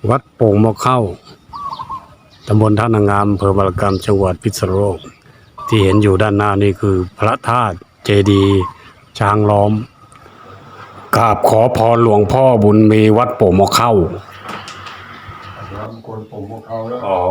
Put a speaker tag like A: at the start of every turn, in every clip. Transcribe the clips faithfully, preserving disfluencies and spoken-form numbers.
A: วัดโป่งมะเข้าตำบลท่านางามอำเภอบารกรรมจังหวัดพิษณุโลกที่เห็นอยู่ด้านหน้านี่คือพระธาตุเจดีย์ช้างล้อมกราบขอพรหลวงพ่อบุญมีวัดโป่งมะเข้า
B: น้ำคนโป่งมะเข้าแล้ว
A: อ๋อ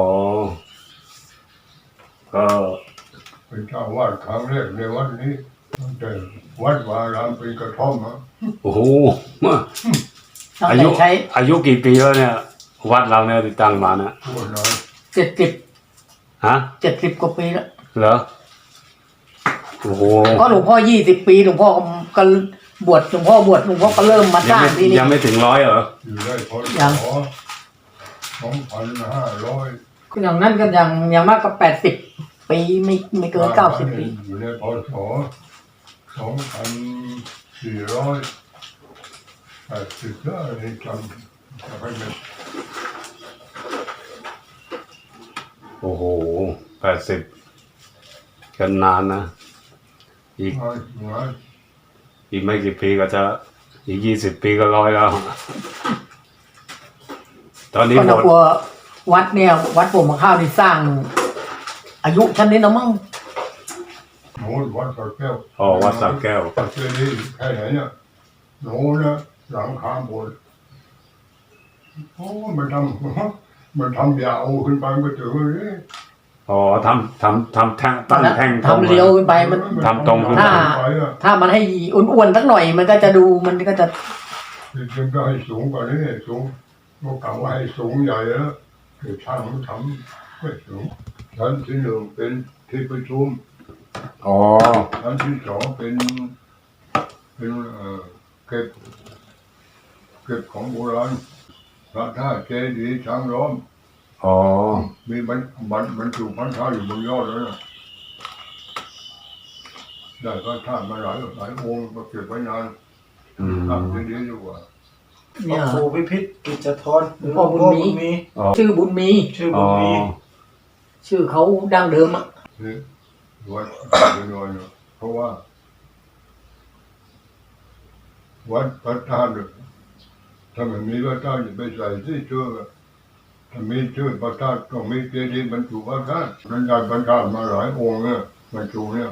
A: ก็
B: เป็นเจ้าวาดครั้งแรกในวัดนี้ตั้งแต่วัดวารามเป็นกระท่อมอ่ะ
A: โอ้โหอายุอายุกี่ปีแล้วเนี่ยวัดเราเนี่ยติดตั้งมานะ
B: ปวดน้อย
C: เจ็ดสิบ
A: ฮะ
C: เจ็ดสิบกว่าปีแล้ว
A: เหรอโอ้โห
C: ก็หลวงพ่อยี่สิบปีหลวงพ่อก็บวชหลวงพ่อบวชหลวงพ่อก็เริ่มมาสร้างที่นี่
A: ยังไม่ถึงร้อยเหรอ
B: อยู่ได้พอสองพันห้าร้อย
C: อย่างนั้นก็ยังยังมากก็แปดสิบปีไม่ไม่เกินเก้าสิบปี
B: อยู่ในพศสองพันสี่ร้อยแปดสิบแล้วนี่จำจำไม่ได้
A: โอ้โหแปดสิบกันนานนะอีกอีกไม่กี่ปีก็จะอีกยี่สิบปีก็ร้อยแล้วตอนนี้หมด
C: วัดเนี่ยวัดโป่งมะเข้าที่สร้างอายุชั้นนี้นะมั้ง
B: โน้วัดสักแก้ว
A: อ๋อวัดสักแก้ว
B: ปัจจุบันนี้แค่ไหนเนี่ยโน้นะหลังคาโบสถ์โอ้มันทำมันทำยาวขึ้นไปก็ถึงเลย
A: อ๋อทำทำทำแท่งตั้งแท่ง
C: ทำเลี้ยวขึ้นไปมัน
A: ทำตรงขึ้น
C: ถ้าถ้ามันให้อ้วนๆสักหน่อยมันก็จะดูมันก็จะ
B: จริงๆก็ให้สูงกว่านี้สูงเมื่อก่อนว่าให้สูงใหญ่แล้วคือช่างมันทำไม่สูงชั้นที่หนึ่งเป็นที่ประชุม
A: อ๋อ
B: ชั้นที่สองเป็นเป็นเอ่อเก็บเก็บของโบราณพระธาตุเจดีย์ช้างล้อม
A: อ๋อ
B: มีบรรบรรบรรจุพระธาตุอยู่บนยอดเลยนะได้พระธาตุมาหลายหลายองค์มาเก็บไว้นานทำเจดีย์อยู่ว่า
D: เนี่ยครูพิพิธกิจทร
C: พ่อบุญมีชื่อบุญมี
D: ชื่อบุญมี
C: ชื่อเขาดั้งเดิมอ่ะ
B: นี่วัดเป็นวันเนาะเพราะว่าวัดพระธาตุถ้ามันมีพระธาตุจะไปใส่ที่ชื่อถ้ามีชื่อพระธาตุต้องมีเจดีย์บรรจุพระธาตุนั้นได้พระธาตุมาหลายองค์เนี่ยบรรจุเนี่ย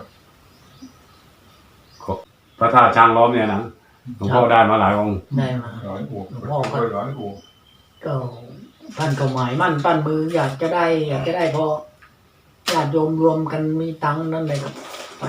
A: พระธาตุช้างล้อมเนี่ยนะหลวงพ่อได้มาหลายองค์
C: ได้มา
B: หลายองค์หลวงพ่อก็หลายองค์
C: ก็ท่านก็หมายมั่นปั้นมืออยากจะได้อยากจะได้พอญาติโยมรวมกันมีตังค์นั่นเลยครับไป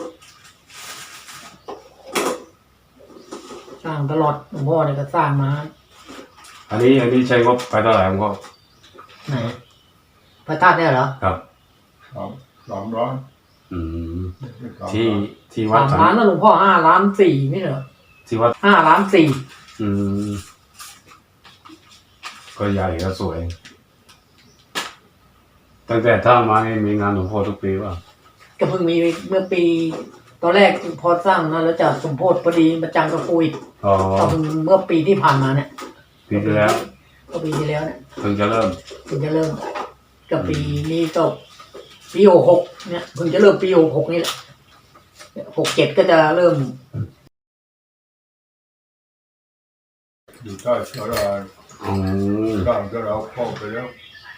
C: สร้างตลอดหลวงพ่อเนี่ยก็สร้างมา
A: อันนี้อันนี้ใช้งบไปเท่าไหร่หลวงพ่อ
C: ไหนพระธาตุเนี่ยเหรอ
A: ครับ
B: สามสามล้าน
A: อืมที่ที่วัด
C: สามล้านนะหลวงพ่อห้าล้านสี่ไม่เหรอ
A: ที่วัด
C: ห้าล้านสี่
A: อืมก็ใหญ่ก็สวยตั้งแต่ถ้ามาเนี่ยมีงานหลวงพ่อทุกปีป่ะ
C: ก็เพิ่งมีเมื่อปีตอนแรกพอสร้างนะแล้วจะสมโพธิพอดีมาจังกับโควิด
A: อ๋อ
C: เพิ่งเมื่อปีที่ผ่านมาเนี่ย
A: ปีที่แล้ว
C: ก็ปีที่แล้วเนี่ย
A: เพิ่งจะเริ่ม
C: เพิ่งจะเริ่มกับปีนี้ก็ปีหกหกเนี่ยเพิ่งจะเริ่มปีหกหกนี่แหละหกเจ็ดก็จะเริ่ม
B: อยู่ใต้สารา
A: อืม
B: สร้างก็เราเข้าไปแล้ว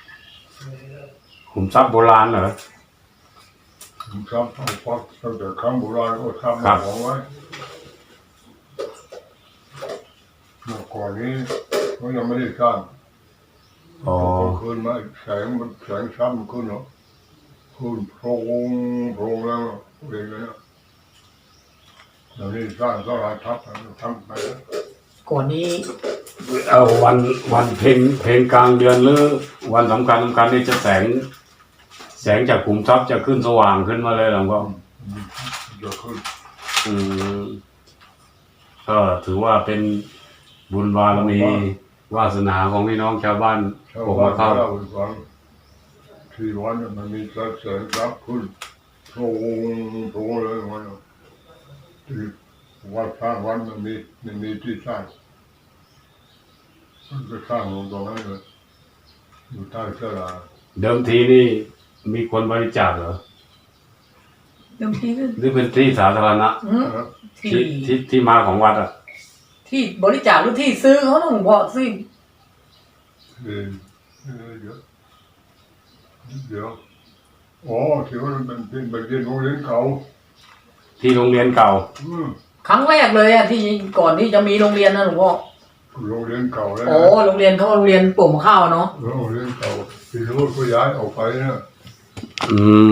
A: ขุมทรัพย์โบราณเหรอ
B: ขุมทรัพย์เอาฟักตั้งแต่ครั้งโบราณก็ทำมาของไว้เมื่อก่อนนี้เขายังไม่ได้สร้าง
A: อ๋อ
B: คืนมาแสงมันแสงช้ำขึ้นเนาะขึ้นโพรงโพรงแล้วเองนะตอนนี้สร้างก็ราทับทำไปแล้ว
C: ก่อนนี้
A: เอาวันวันเพลงเพลงกลางเดือนหรือวันสำคัญสำคัญนี่จะแสงแสงจากขุมทรัพย์จะขึ้นสว่างขึ้นมาเลยหลวงพ่อ
B: จะขึ้น
A: อืมก็ถือว่าเป็นบุญบารมีวาสนาของพี่น้องชาวบ้าน
B: ผมมาเข้าที่วันมันมีแสงรับขึ้นโผล่โผล่เลยมันที่วัดสร้างวันมันมีมันมีที่สร้างมันก็สร้างลงตรงนั้นเลยอยู่ใต้เสลา
A: เดิมทีนี่มีคนบริจาคเหรอ
C: เดิมที
A: หรือเป็นที่สาธารณะที่ที่ที่มาของวัดอ่ะ
C: ที่บริจาคหรือที่ซื้อเขาต้องบอกซื้อ
B: เออเออเดี๋ยวเดี๋ยวอ๋อที่ว่ามันเป็นเป็นเรียนโรงเรียนเก่า
A: ที่โรงเรียนเก่า
B: อืม
C: ครั้งแรกเลยอะที่ก่อนที่จะมีโรงเรียนนะหลวงพ่อ
B: โรงเรียนเก่าแล้ว
C: โอ้โรงเรียนเขาโรงเรียนปลูกมะข้าวเนาะ
B: โรงเรียนเก่าที่รู้ก็ย้ายออกไปนะ
A: อืม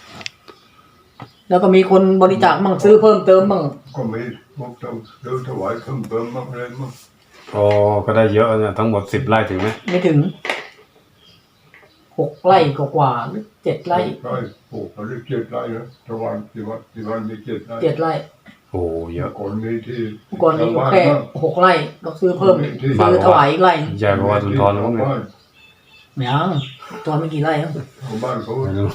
C: แล้วก็มีคนบริจาคมั่งซื้อเพิ่มเติมมั่ง
B: ก็มีพวกเราเดินถวายเพิ่มเติมมากเลยมั้ง
A: อ๋อก็ได้เยอะนะทั้งหมดสิบไร่ถึงไหม
C: ไม่ถึงหกไร่กว่าๆหรือเจ็ดไร่
B: ไร่ปลูกมาได้เจ็ดไร่นะตะวันที่วัดที่วันมีเจ็ดไร่
C: เจ็ดไร่
A: โอ้เยอะ
B: ก่อนมีที่
C: ก่อนนี้อยู่แค่หกไร่ก็ซื้อเพิ่มซื้อถวายอีกไร่
A: ใหญ่กว่าวัดสุนทรมั้งเนี่ย
B: บ้าน
C: ยังตัวไม่กี่ไร่ครับ
B: ของบ้านเขา
A: ไม่รู้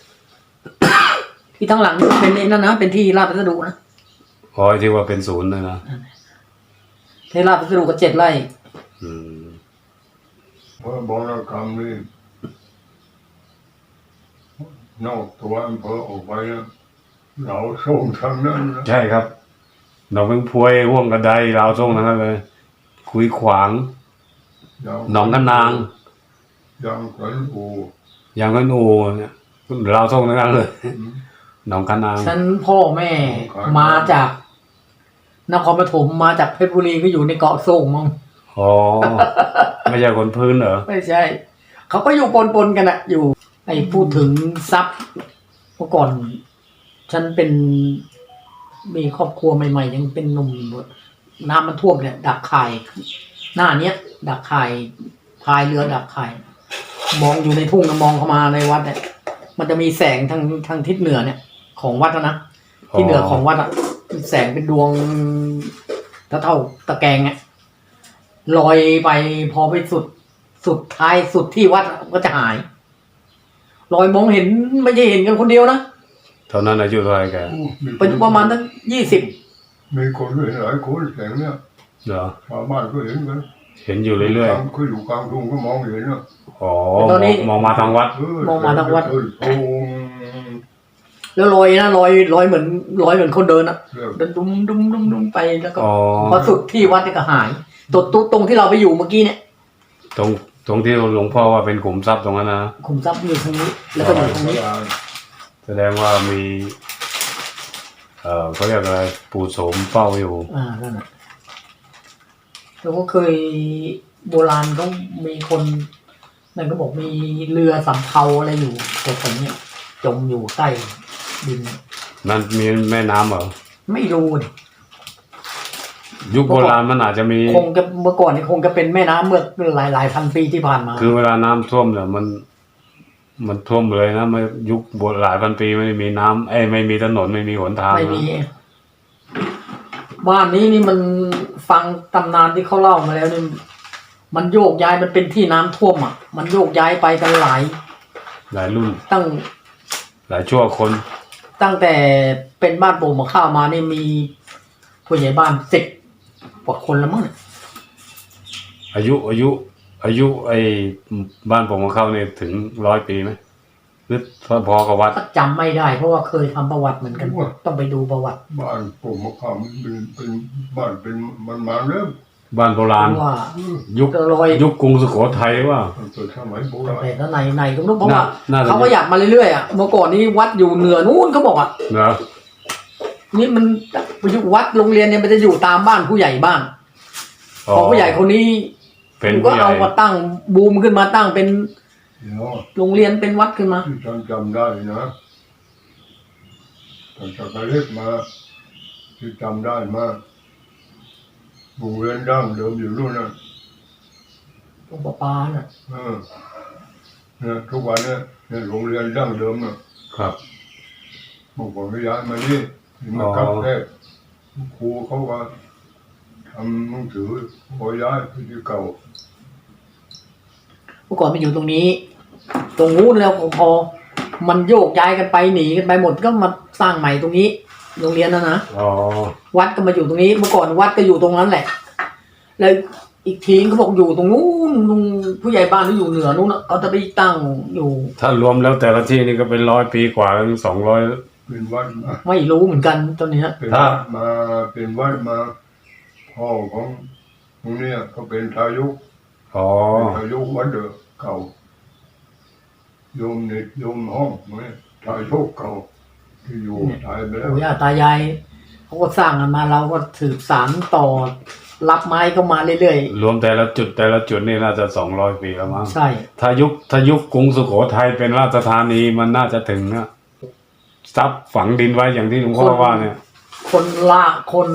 C: ที่ทั้งหลังเป็นเองนั่นนะเป็นที่ราชพัสดุนะ
A: อ๋อไอ้ที่ว่าเป็นศูนย์เลยนะ
C: ที่ราชพัสดุก็เจ็ดไร่
A: อืม
B: เพราะบรกรรมนี่นอกตัวอำเภอออกไปนะเราส่งทางนั้นนะ
A: ใช่ครับหนองเพิ่งพวยห่วงกระไดลาวส่งนะครับเลย คุยขวาง หนองกันนาง
B: ยังกันอู
A: อย่างกันอูเนี่ยลาวส่งทั้งนั้นเลย หนองกันนาง
C: ฉันพ่อแม่มาจากนครปฐมมาจากเพชรบุรีก็อยู่ในเกาะโซ่งมั้ง
A: อ๋อ ไม่ใช่คนพื้นเหรอ
C: ไม่ใช่ เขาก็อยู่ปนๆกันอะอยู่ ไอ้พูดถึงทรัพย์เมื่อก่อน ฉันเป็นมีครอบครัวใหม่ๆยังเป็นหนุ่มอยู่น้ำมันท่วมเนี่ย ดักข่ายหน้าเนี้ย ดักข่ายพายเรือดักข่ายมองอยู่ในทุ่งนะมองเข้ามาในวัดเนี่ย มันจะมีแสงทางทางทิศเหนือเนี่ย ของวัดนะที่เหนือของวัดอะแสงเป็นดวงเท่าเท่าตะแกรงเนี่ยลอยไปพอไปสุดสุดท้ายสุดที่วัดก็จะหายลอยมองเห็นไม่ใช่เห็นกันคนเดียวนะ
A: เท่านั้นอายุเท่าไหร่แก
C: เป็นประมาณตั้งยี่สิบ
B: มีคนเห็นหลายคนแสงเนี่ย
A: เหรอ
B: ชาวบ้านก็เห็นกัน
A: เห็นอยู่เรื่อย
B: คืออยู่กลางทุ่งก็มองเห็นนะ
A: ๆ อ๋อมองมองมาทางวัด
B: เออ
C: มองมาทางวัด
B: เออโอ้
C: แล้วลอยนะลอยลอยเหมือนลอยเหมือนคนเดินอะ
B: เรื่อง
C: เดินดุมดุมดุมดุมไปแล้วก็
A: อ๋อ
C: พอสุดที่วัดเนี่ยก็หายตรงตรงตรงที่เราไปอยู่เมื่อกี้เนี่ย
A: ตรงตรงที่หลวงพ่อว่าเป็นขุมทรัพย์ตรงนั้นนะ
C: ขุมทรัพย์อยู่ทางนี้ แล้วก็อยู่ทางนี้
A: แสดงว่ามี เอ่อเขาเรียกอะไร ปู่โสมเฝ้าอยู่
C: อ่านั่นแหละแล้วก็เคยโบราณเขามีคนนั่นก็บอกมีเรือสำเภาอะไรอยู่แต่ผมเนี่ยจมอยู่ใต้ดิน
A: นั่นมีแม่น้ำเหรอ
C: ไม่รู้ดิ
A: ยุคโบราณมันอาจจะมี
C: คงจะเมื่อก่อนนี่คงจะเป็นแม่น้ำเมื่อหลายหลายพันปีที่ผ่านมา
A: คือเวลาน้ำท่วมเนี่ยมัน มันท่วมเลยนะไม่ยุคโบราณหลายพันปีไม่ได้มีน้ำเอ้ยไม่มีถนนไม่มีหนทาง
C: ไม่มี
A: นะ
C: บ้านนี้นี่มันฟังตำนานที่เขาเล่ามาแล้วนี่มันโยกย้ายมันเป็นที่น้ำท่วมอ่ะ มันโยกย้ายไปกันหลาย
A: หลายรุ่น
C: ตั้ง
A: หลายชั่วคน
C: ตั้งแต่เป็นบ้านโป่งมาข้าวมานี่มีผู้ใหญ่บ้านสิบกว่าคนแล้วมั้ง
A: อายุอายุ อายุไอ้บ้านผมของเขาเนี่ยถึงร้อยปีไหมหรือพอกับวัด
C: ก็จำไม่ได้เพราะว่าเคยทำประวัติเหมือนกัน ต้องไปดูประวัติ
B: บ้านผมมะขามเป็นเป็นบ้านเป็นมันมาเริ่ม
A: บ้านโบราณ
C: ว่า
A: ยุค
C: รอย
A: ยุคกรุงสุโขทัยว่า
B: ตั้งแต่สมัยโบราณ
C: แต่แล้วในในก็ไม่รู้เพราะว่า
A: น่าจะ
C: เขาก็อยากมาเรื่อยๆอ่ะเมื่อก่อนนี้วัดอยู่เหนือนู้นเขาบอกอ่ะ
A: เนอะ
C: นี่มันอยู่วัดโรงเรียนเนี่ยมันจะอยู่ตามบ้านผู้ใหญ่บ้านพอผู้ใหญ่คนนี้
A: เป็น
C: ก็
A: ผู้ใหญ่
C: เอามาตั้งบูมขึ้นมาตั้งเป็น
B: เดี๋ยว
C: โรงเรียนเป็นวัดขึ้นมา
B: ที่ฉันจำได้นะตั้งแต่เล็กมาที่จำได้มาโรงเรียนดั้งเดิมอยู่นู่นนะ
C: ตรงประปาน่ะ
B: เออเนี่ยทุกวันเนี่ยเนี่ยโรงเรียนดั้งเดิมน่ะ
A: ครับ
B: พวกผมก็ย้ายมานี่ที่มาคับแรกครูเขาว่าทำหนังสือพอย้ายไปที่เก่า
C: เมื่อก่อนมันอยู่ตรงนี้ ตรงนู้นแล้วพอมันโยกย้ายกันไปหนีกันไปหมดก็มาสร้างใหม่ตรงนี้ โรงเรียนนะนะ
A: อ๋อ
C: วัดก็มาอยู่ตรงนี้ เมื่อก่อนวัดก็อยู่ตรงนั้นแหละ แล้วอีกทีเขาบอกอยู่ตรงนู้นตรงผู้ใหญ่บ้านที่อยู่เหนือนู้นน่ะเขาจะไปตั้งอยู่
A: ถ้ารวมแล้วแต่ละที่นี่ก็เป็นร้อยปีกว่าถึงสองร้อย
B: เป็นวัดมา
C: ไม่รู้เหมือนกันตอนนี้
B: เป็นวัดมาเป็นวัดมาพ่อของตรงเนี้ยเขาเป็นทายุก
A: ออ๋อ
B: อายุวัดเดิมเก่าโยมเน็ตโยมห้องเนี่ยชายโชคเก่าที่อยู่ตายไปแล้ว
C: ปู่ย่าตายายเขาก็สร้างกันมาเราก็สืบสานต่อรับไม้เข้ามาเรื่อย
A: รวมแต่ละจุดแต่ละจุดนี่น่าจะสองร้อยปีแล้วมั้ง
C: ๆใช่
A: ถ้ายุคถ้ายุคกรุงสุโขทัยเป็นราชธานีมันน่าจะถึงนะซับฝังดินไว้อย่างที่หลวงพ่อว่าเนี่ย
C: คนละคน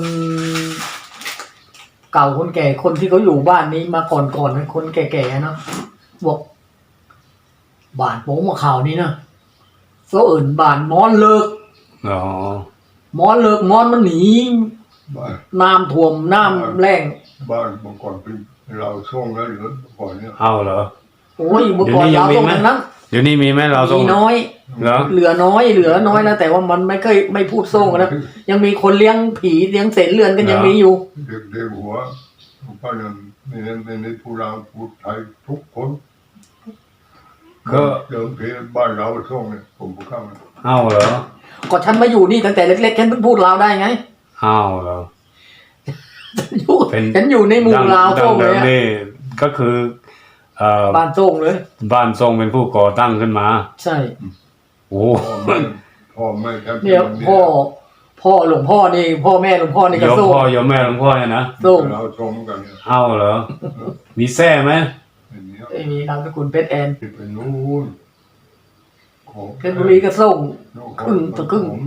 C: เก่าคนแก่คนที่เขาอยู่บ้านนี้มาก่อนก่อนๆคนแก่ๆเนาะบอกบ้านโป้งมาข่าวนี้นะเขาเอิ่นบ้านมอนเลิก
A: อ๋อ
C: มอนเลิกมอนมันหนี
B: บ้าน
C: น้ำท่วมน้ำแรง
B: บ้านเมื่อก่อนเป็นเราช่วงแล้วหรือเมื่อก่อนเนี่ย
A: เอาเหรอ
C: โอ้ยเมื่อก่อน
A: เดี๋ยวนี้ยังมีไหม
C: เราตรงนั้น
A: เดี๋ยวนี้มีไหมเราทรง
C: มีน้อย
A: เหรอ
C: เหลือน้อยเหลือน้อยนะแต่ว่ามันไม่เคยไม่พูดโซ่งนะยังมีคนเลี้ยงผีเลี้ยงเศษเลือนกันยังมีอยู่
B: เด็กเด็กหัวป้าเนี่ยไม่ได้ไม่ได้พูดเราพูดไทยทุกคน
A: ก็
B: เดิมทีบ้านเราช่วงเนี่ยผมพูดข้างนะ
A: เอาเหรอ
C: ก็ฉันมาอยู่นี่ตั้งแต่เล็กๆฉันเพิ่งพูดลาวได้ไง
A: เอาเหรอ
C: อยู่
A: เป็น
C: ฉันอยู่ในหมู่ลาว
A: ดั
C: โซ่
A: ง
C: เล
A: เดิ
C: ย
A: ม
C: อะ
A: นี่ก็คือเอ่อ
C: บ้านโซ่งเลย
A: บ้านทรงเป็นผู้ก่อตั้งขึ้นมา
C: ใช่
A: โอ้
B: พ่อแม่พ่อแม่แทบจะ
C: เนี่ย
B: ไม่มี
C: พ่อพ่อหลวงพ่อนี่พ่อแม่หลวงพ่อนี่
A: ย
C: ก็
A: ม
C: โซ่ง
A: พ่อยมแม่หลวงพ่อเนี่ยนะ
C: โซ่ง
B: เราชมกันเนี่ย
A: เอาเหรอ มีแท้ไหม
B: อย่างเนี้ย
C: ไอ้มีนามสกุลเพชรแอน
B: ที่เป็นนู้นของ
C: เพชรบุรีก็โซ่ง ครึ่งต่อครึ่ง
B: ผม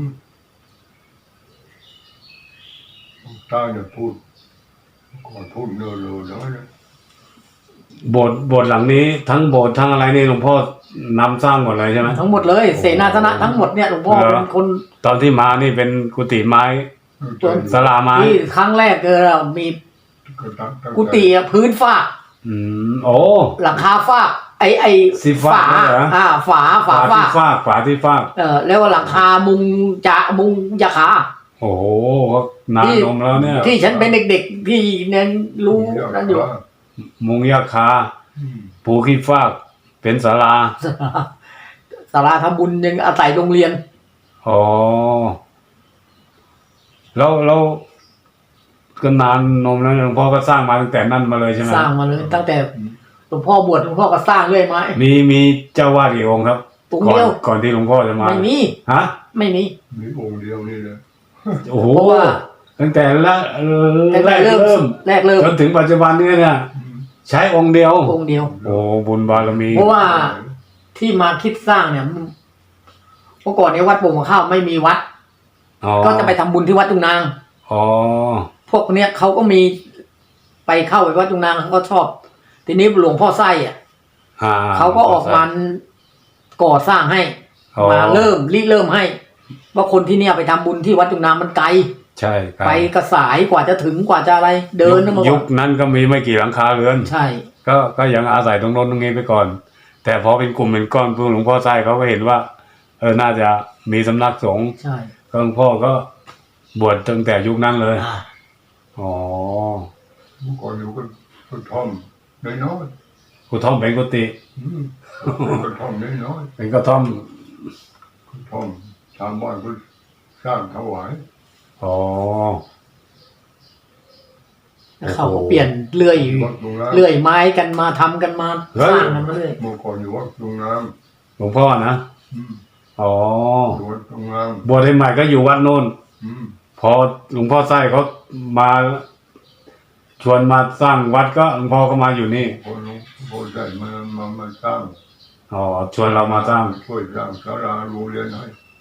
B: ใต้เนี่ยพูดก่อนพูดเนื้อเลยนะเนี่ย
A: โบสถ์โบสถ์หลังนี้ทั้งโบสถ์ทั้งอะไรนี่หลวงพ่อนำสร้างหมดเลยใช่ไหม
C: ทั้งหมดเลย เสนาสนะทั้งหมดเนี่ยหลวงพ่อ
A: เหรอ
C: เป็นคน
A: ตอนที่มานี่เป็นกุฏิไม้ ศาลาไม้
C: ที่ครั้งแรกเออมี
B: ก็ตั้งตั้ง
C: กุฏิอะพื้นฝ้า
A: อืมโอ้
C: หลังคาฝ้า ไอไอ
A: สีฟ้า
C: ฝา
A: เหรอ
C: อ่าฝาฝา
A: ฝา
C: ฝ้า
A: ที่ฟากฝาที่ฟาก
C: เออแล้วหลังคามุงจะมุงยาคา
A: โอ้โหนานนมแล้วเนี่ย
C: ที่ฉันเป็นเด็กๆที่เนี่ยรู้นั่นอยู่
A: มุงยาคา
B: อืม
A: ปูขี้ฟากเป็นศาลา
C: ศาลาทำบุญยังอาศัยโรงเรียน
A: อ๋อแล้วแล้วก็นานนมแล้วหลวงพ่อก็สร้างมาตั้งแต่นั้นมาเลยใช่ไหม
C: สร้างมาเลยตั้งแต่หลวงพ่อบวชหลวงพ่อก็สร้างเรื่อยมา
A: มีมีเจ้าวาดกี่องค์ครับ
C: องค์
A: ก่อน
C: เดียว
A: ก่อนที่หลวงพ่อจะมา
C: ไม่มี
A: ฮะ
C: ไม่มี
B: มีองค์เดียวนี่เลย
A: โอ้โห
C: เพราะว่า
A: ตั้งแต่ละเอ่อ
C: ตั้ง
A: แร
C: แต่
A: ก
C: เริ่ม
A: เริ่ม
C: แรกเริ่ม
A: จนถึงปัจจุบันนี้เนี่ย ใช้องค์เดียว
C: องค์เดียว
A: โอ้บุญบารมี
C: เพราะว่าที่มาคิดสร้างเนี่ยเมื่อก่อนเนี่ยวัดโป่งมะข้าวไม่มีวัด
A: อ๋อ
C: ก็จะไปทำบุญที่วัดจุงนาง
A: อ๋อ
C: พวกเนี้ยเขาก็มีไปเข้าไปวัดจุงนางเขาก็ชอบ ทีนี้หลวงพ่อไส้อ่ะ
A: อ่า
C: เขาก็ออกมาก่อสร้างให้
A: อ๋อ
C: มาเริ่มริเริ่มให้ ว่าคนที่เนี่ยไปทำบุญที่วัดจุงนางมันไกล
A: ใช่ครับ
C: ไปกระสายกว่าจะถึงกว่าจะอะไร เดินนะเมื่อก่
A: ยุ
C: อ
A: คน นั้นก็มีไม่กี่หลังคาเรือน
C: ใช่
A: ก็ก็ยังอาศัยตรงโน้นตรงนี้ไปก่อน แต่พอเป็นกลุ่มเป็นก้อนพวกหลวงพ่อไส้เขาก็เห็นว่า เออน่าจะมีสำนักสงฆ์
C: ใช่
A: ก็หลวงพ่อก็บวชตั้งแต่ยุคนั้นเลย
C: อ่า
A: อ๋อ
B: เมื่อก่อนอยู่กันกระท่อมน้อย
A: กุท่อมเป็นกุฏิ
B: ๆอืมกระท่อมน้อย
A: เป็นกระท่อม
B: ๆกระท่อมชาวบ้านก็สร้างถวาย
A: อ๋อ
C: แล้วเขาก็เปลี่ยนเลื่อย
B: วัดตรงน้ำ
C: เลื่อยไม้กันมาทำกันมาสร้างกันมาเรื่อย
B: เมื่อก่อนอยู่วัดตรงน้
A: หลวงพ่อนะ
B: ำอืม
A: อ๋อ
B: อยู่วัดตรงน้
A: บวชใหม่ๆก็อยู่วัดโน้น
B: ำอืม
A: พอหลวงพ่อไส้เขามาชวนมาสร้างวัดก็หลวงพ่อก็มาอยู่นี่
B: พอหลวงพ่อได้มามามาสร้าง
A: อ๋อชวนเรามาสร้าง
B: ช่วยสร้างศาลาโรงเรียนให้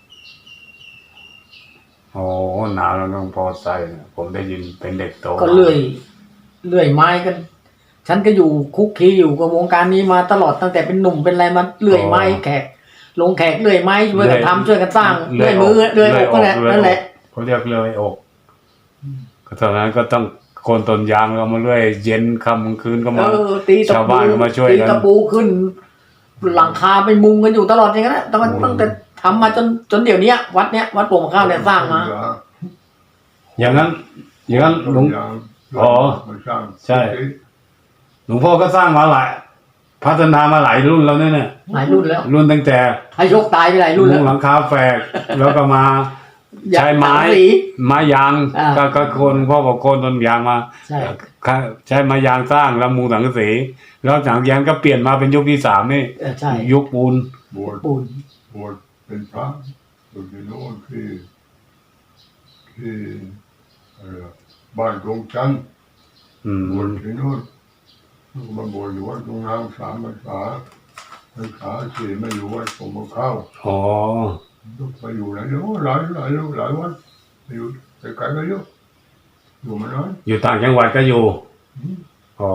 A: โอ้หนาวแล้วหลวงพ่อไส้เนี่ยผมได้ยินเป็นเด็กโต
C: ก็เลื่อยเลื่อยไม้กัน ฉันก็อยู่คุกคีอยู่กับวงการนี้มาตลอดตั้งแต่เป็นหนุ่มเป็นอะไรมาเลื่อยไม้แขก ลงแขกเลื่อยไม้ช่วยกันทำช่วยกันสร้างเลื่อยมือเลื่อยอกก็แหละนั่นแหละ
A: เขาเรียกเลื่อยอกก็ตอนนั้นก็ต้องโคนต้นยางเรามาเลื่อยเย็นค่ำกลางคืนก็
C: เอ
A: มา
C: อตีตะ
A: ชาว
C: ปู
A: บ้านก็มาช่วย
C: ตี
A: กัน
C: ตะปูขึ้น หลังคาไปมุงกันอยู่ตลอดอย่างนั้นแหละตั้งแต่ตั้งแต่ทำมาจนจนเดี๋ยวนี้วัดเนี้ยวัดโป่งมะข้าวเนี่ยสร้างมา
A: อย่างนั้น อย่างนั้นหลวง อ๋อ
B: มาสร้าง
A: ใช่ หลวงพ่อก็สร้างมาหลายพัฒนามาหลายรุ่นแล้วเนี่ยเนี่ย
C: หลายรุ่นแล้ว
A: รุ่นตั้งแต่
C: ให้ยกตายไปหลายรุ่น
A: มุ
C: แล้
A: ง
C: ว
A: หลังคาแฝกแล้วก็มา ใช้ไม้
C: สังสี
A: ไม้ยาง
C: อ่า
A: ก็ก็โคนหลวงพ่อบอกโคนต้นยางมา
C: ใช่
A: ใช้ไม้ยางสร้างแล้วมุงสังกะสีแล้วหลังจากนั้นก็เปลี่ยนมาเป็นยุคที่สามนี่
C: เออใช่
A: ยุคปูน
B: บวช
C: ปูน
B: บวชเป็นพระอยู่ที่โน่นที่ที่อะไรอะบ้านกรงจันทร์
A: อืม
B: บวชที่โน่นมาบวชอยู่วัดตรงน้ำสามพรรษาพรรษาสี่ไม่อยู่วัดผมมาเข้า
A: อ๋อ
B: ลูกไปอยู่ไหนเนาะหลายหลายลูกหลายวันไปอยู่ไกลๆก็เยอะอยู่มาน้อย
A: อยู่ต่างจังหวัดก็อยู่
B: อืม
A: อ๋อ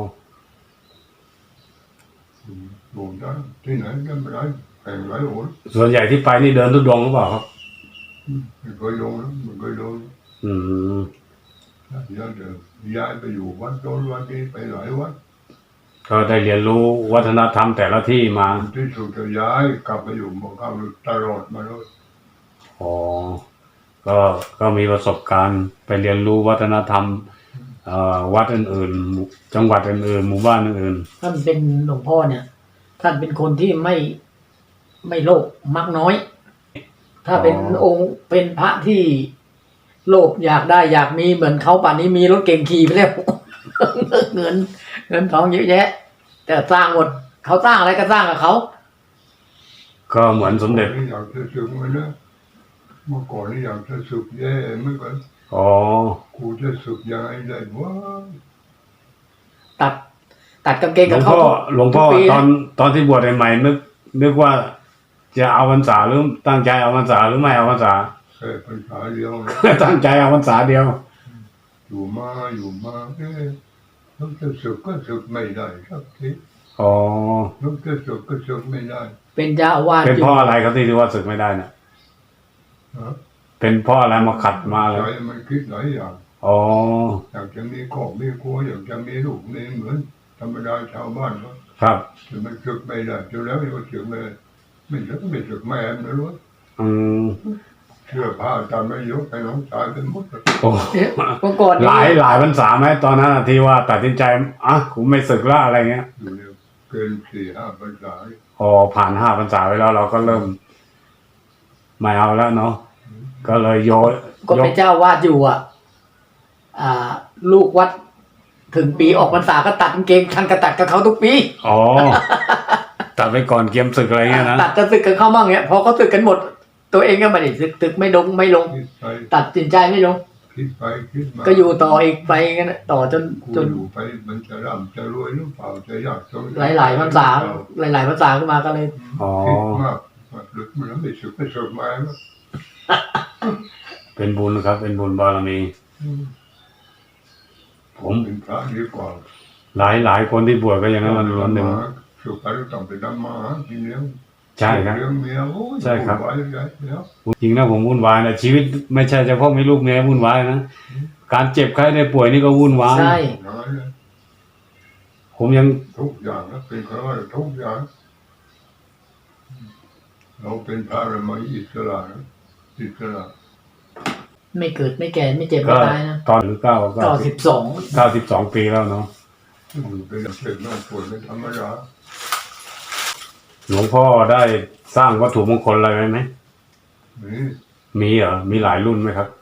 B: อยู่ได้ที่ไหนก็ไม่ได้แข่งหลายหน
A: ส่วนใหญ่ที่ไปนี่เดินทุดงค์หรือเปล่าครับ
B: ไม่เคยโดนนะไม่เคยโดน
A: อืม
B: ย้ายเดิมย้ายไปอยู่วัดโดนวัดนี้ไปหลายวัด
A: ก็ได้เรียนรู้วัฒนธรรมแต่ละที่มา
B: ที่สุดจะย้ายกลับไปอยู่หมู่บ้านตลอดมาเลย
A: อ๋อ ก็ก็มีประสบการณ์ไปเรียนรู้วัฒนธรรมเอ่อวัดอื่นๆหมู่จังหวัดอื่นๆหมู่บ้านอื่น
C: ท่านเป็นหลวงพ่อเนี่ย ท่านเป็นคนที่ไม่ไม่โลภมักน้อย ถ้าเป็นองค์เป็นพระที่โลภอยากได้อยากมีเหมือนเขาป่านนี้มีรถเก่งขี่ไปแล้ว เงินเงินทองเยอะแยะ แต่สร้างหมดเขาสร้างอะไรก็สร้างกับเขา
A: ๆ ก็เหมือนสมเด็จ
B: นี่อยากจะสึกมันนะเมื่อก่อนนี่อยากจะสึกแย่เหมื่อนกัน
A: อ๋อ
B: กูจะสึกยังไงได้วะ
C: ตัด ตัดกางเกง
A: หล
C: กั
A: ว
C: บ
A: ง
C: เขา
A: พ่อ
C: ทุก
A: หลวงพ่อ
C: ทุกปี
A: ตอน
C: นะ
A: ตอนที่บวชใหม่ๆนึก นึกว่าจะเอาพรรษาหรือตั้งใจเอาพรรษาหรือไม่เอาพรรษา
B: แค่ภาษาเดียวนะ
A: ตั้งใจเอาพรรษาเดียว
B: อยู่มาอยู่มาเอ๊ะลูกจะสึกก็สึกไม่ได้สักที
A: อ๋อ
B: ลูกจะสึกก็สึกไม่ได้
C: เป็นเจ้าอาวาส
A: เป็น
C: อยู่
A: เพ่ออะไรครับที่ที่ว่าศึกไม่ได้น่ะ
B: นะ
A: เป็นเพ่ออะไรมาขัดมาเล
B: ใจ
A: ย
B: มันคิดหลายอย่าง
A: อ๋อ
B: อยากจะมีครอบมีครัวอยากจะมีลูกมีเหมือนธรรมดาชาวบ้านเขา
A: ครับ
B: แต่มันสึกไม่ได้จนแล้วมันก็สึกไม่ได้ไม่สึกไม่สึกแม่มันนะรู้
A: อืม
B: เชื่อผ้าจำไม่ยกให้น้องชายเป็นหมดเลย
A: โอ้
C: เนี่ยเมื่อก่อน
A: หลายหลายพรรษาไหมตอนนั้นน่ะที่ว่าตัดสินใจอ่ะกูไม่ศึกละอะไรเงี้ย
B: อยู่ในเกินสี่ห้าพรรษา
A: พอผ่านห้าพรรษาไปแล้วเราก็เริ่มไม่เอาแล้วเนาะก็เลยโยน
C: ก็
A: ย
C: เป็
A: ก
C: นเจ้าอาวาสอยู่อ่ะ อ่า ลูกวัดถึงปีออกพรรษาก็ตัดกางเกงท่านก็ตัดกับเขาทุกปี
A: อ๋อตัดไปก่อนเกียมศึกอะไรเงี้ยนะ
C: ตัดจะศึกกับเขาบ้างเนี้ยพอเขาศึกกันหมด ตัวเองก็ไม่ได้ศึกศึกไม่ลงไม่ลง
B: คิดไป
C: ตัดสินใจไม่ลง
B: คิดไปคิดมา
C: ก็อยู่ต่ออีกไปกันนะต่อจน
B: กู
C: จน
B: อยู่ไปมันจะร่ำจะรวยหรือเปล่าจะยากจน
C: หลายหลายๆพรรษาหลายหลายๆพรรษาขึ้นมาก็เลย
A: อ๋อ
B: คิดมากลึกมันไม่สึกไม่สึกมาแล้ว
A: เป็นบุญครับ เป็นบุญบารมี ผม
B: เป็นพระดีกว่า
A: หลายหลายคนที่บวชก็อย่างนั้นมันล้วนหนึ่ง
B: สุขไปต้องไปทำมาหากินเลี้ยง
A: ใช่ครับ
B: เลี้ยงเมียโอ้ย
A: ใช่ครับ
B: ไว้ใหญ่แล้ว
A: จริงนะผมวุ่นวายนะชีวิตไม่ใช่เฉพาะมีลูกเมียวุ่นวายนะการเจ็บไข้ได้ป่วยนี่ก็วุ่นวาย
C: ใช่
B: น้อยเลย
A: ผมยัง
B: ทุกอย่างนะเป็นข้าราชการทุกอย่างเราเป็นพระเรามาอิสระนะอิสระ
C: ไม่เกิดไม่แก่ไม่เจ็บ
A: ก็
C: ไม่ตายนะ
A: ตอนหรือเก้า
C: ต่
A: เก้า
C: อ
A: สิ
C: สิ
A: บบ
C: สอง
A: เก้าสิบสองปีแล้วเนาะ
B: อยู่เป็นเด็กน้องปวดเป็นธรรมดา
A: หลวงพ่อได้สร้างวัตถุมงคลอะไรไว้ไหม
B: นี่
A: มีเหรอมีหลายรุ่นไหมครับ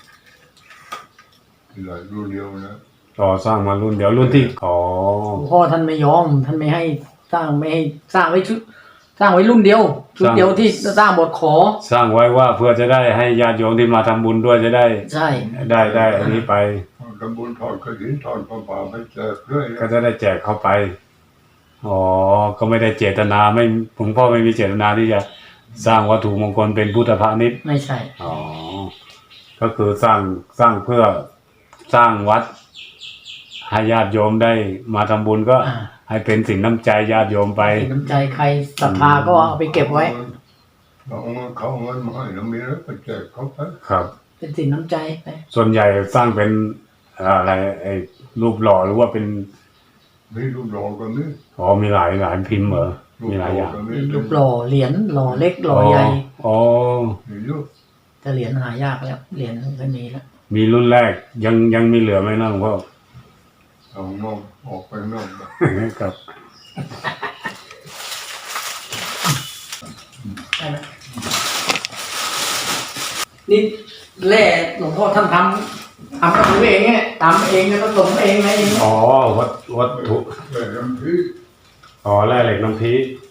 B: หลายรุ่นเดียวนะ
A: ต่อสร้างมารุ่นเดียวรุ่นที่อ๋อ
C: หลวงพ่อท่านไม่ยอมท่านไม่ให้สร้างไม่ให้สร้างไว้ชุดสร้างไว้รุ่นเดียวชุดเดียวที่สร้างบทขอ
A: สร้างไว้ว่าเพื่อจะได้ให้ญาติโยมที่มาทำบุญด้วยจะได้
C: ใช่
A: ได้ได้อันนี้ไป
B: ทำบุญทอดกระถินทอดผ้าป่าไปแจกเรื่อย
A: ก็จะได้แจกเข้าไปอ๋อก็ไม่ได้เจตนาไม่หลวงพ่อไม่มีเจตนาที่จะสร้างวัตถุมงคลเป็นพุทธพาณิชย์
C: ไม่ใช่
A: อ๋อก็คือสร้างสร้างเพื่อสร้างวัดให้ญาติโยมได้มาทำบุญก็
C: อ่า
A: ให้เป็นสินน้ำใจญาติโยมไป
C: เป็นน้ำใจใครศรัทธาก็เอาไปเก็บไว้
B: เราเอาเงินเขาเอาเงินมาให้เรามีแล้วก็แจกเขาไป
A: ครับ
C: เป็นสินน้ำใจไป
A: ส่วนใหญ่สร้างเป็นอะไรไอ้รูปหล่อหรือว่าเป็น
B: มีรูปหล่อก็มี
A: อ๋อมีหลายหลายพิมพ์เหรอมีหลายอย่าง
B: ก็
C: มีรูปหล่อเหรียญหล่อเล็กหล่อใหญ่
A: อ๋อ
B: มีเยอะ
C: แต่เหรียญหายากแล้วเหรียญไม่มีแล้ว
A: มีรุ่นแรกยังยังมีเหลือไหมนะหลวงพ่อ
B: เอานอกออกไปนอกนะ
A: ครับ
C: ใช่ไหมนี่แร่หลวงพ่อท่านททำกับมือเองเนี่ยทำเองแล้วก็ผสมเองอะไรเอง
A: อ๋อวัตวัตถุ
B: แต่น้ำพริก
A: อ๋อแร่เหล็กน้ำพี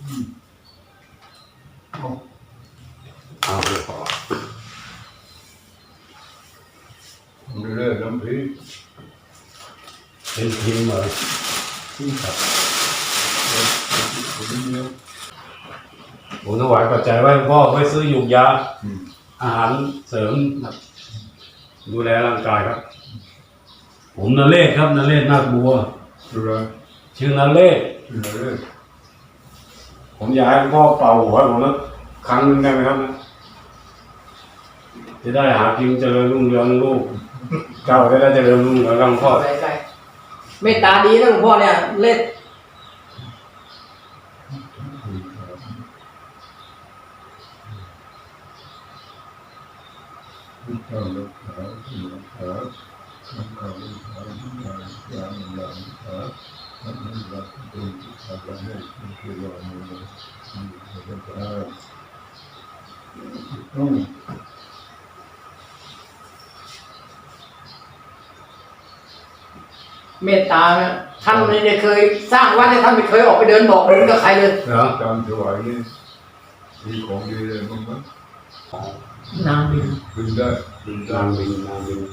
B: เอา
A: อ้าวเดี๋ยวขอ
B: เรื่อยๆน้ำพริก
A: เป็นพิมพ์เลยครับ
B: คนเดียว
A: ผมถวายปัจจัยไว้หลวงพ่อไว้ซื้อยุกยา
B: อืม
A: อาหารเสริมครับดูแลร่างกายครับ ผมนเรศครับนเรศนาคบัว
B: สุรา
A: ชื่อนเรศ
B: เรื่อย
A: ผมอยากให้หลวงพ่อเป่าหัวผมแล้วครั้งหนึงได้ไหมครับจะได้หากินเจริญรุ่งเรืองลูกเจ้าจะได้เจริญรุ่งเรืองหลวงพ่อ
C: ใส่ใส่เมตตาดีนะหลวงพ่อเนี่ยเล่น
B: ๆที่ต้องรักษาที่รักษาทำการรักษาทุกอย่างอย่างอย่างรักษาทำให้รักเป็นที่ทำให้ที่ที่เรามีมีรักษาต้อง
C: เมตตาเนี่ยท่านไม่ได้เคยสร้างวัดเนี่ยท่านไม่เคยออกไปเดินบอกบุญกับใครเลย
A: เหรอ
B: การถวายนี่มีของดีเลยมั้งมั้ย
C: นางบิน
B: บินได้บินได้
A: นางบินนางบิน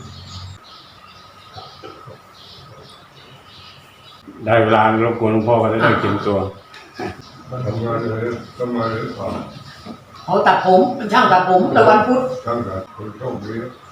A: ได้เวลารบกวนหลวงพ่อก็จะได้เตรียมตัว
B: ทำงานเลยทำงานเลยผ่าน
C: เขาตัดผมเป็นช่างตัดผมแต่วันพุธ
B: ทั้งการคนโชคดี